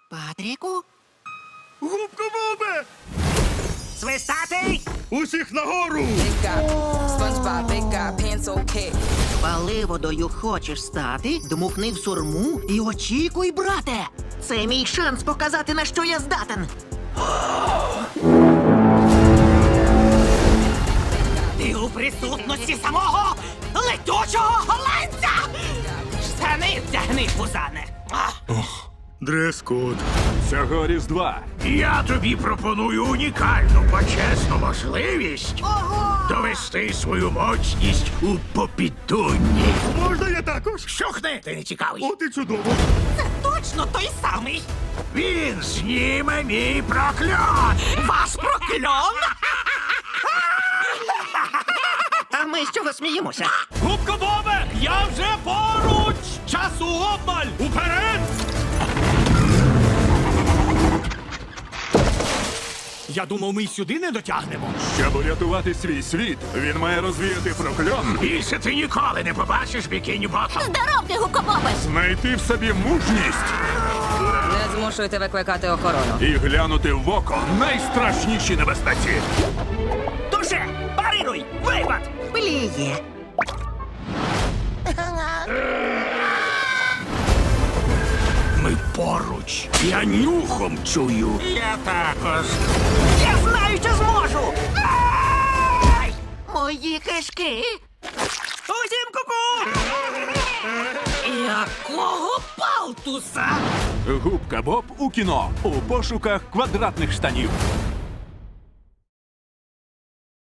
Патріку? Губка Бобе! Свистатий! Усіх нагору! Big guy, SpongeBob, big guy, pencil cat. Паливодою хочеш стати? Дмухни в сурму і очікуй, брате! Це мій шанс показати, на що я здатен. Ти у присутності самого летючого голландця! Штани вдягни, пузане! Дрес-код. Цього Різдва Я тобі пропоную унікальну почесну можливість Ого! довести свою моцність у попідунні. Можна я також? Щухни, ти не цікавий. От і чудово. Це точно той самий! Він зніме мій прокльон. Вас прокльон! А ми з чого сміємося? Губка Бобе! Я вже поруч! Часу обмаль! Уперед! Я думав, ми й сюди не дотягнемо. щоб урятувати свій світ, він має розвіяти прокльон, Більше ти ніколи не побачиш бікіні ботом. Здоров ти, гукобобе! знайти в собі мужність Не змушуйте викликати охорону. і глянути в око найстрашнішій небезпеці. Туше! Парируй! Випад! Пліє! Ми поруч. Я нюхом чую. Я також. Я знаю, що зможу! Ай! Мої кишки! Усім ку-ку! Якого палтуса? Губка Боб у кіно у пошуках квадратних штанів.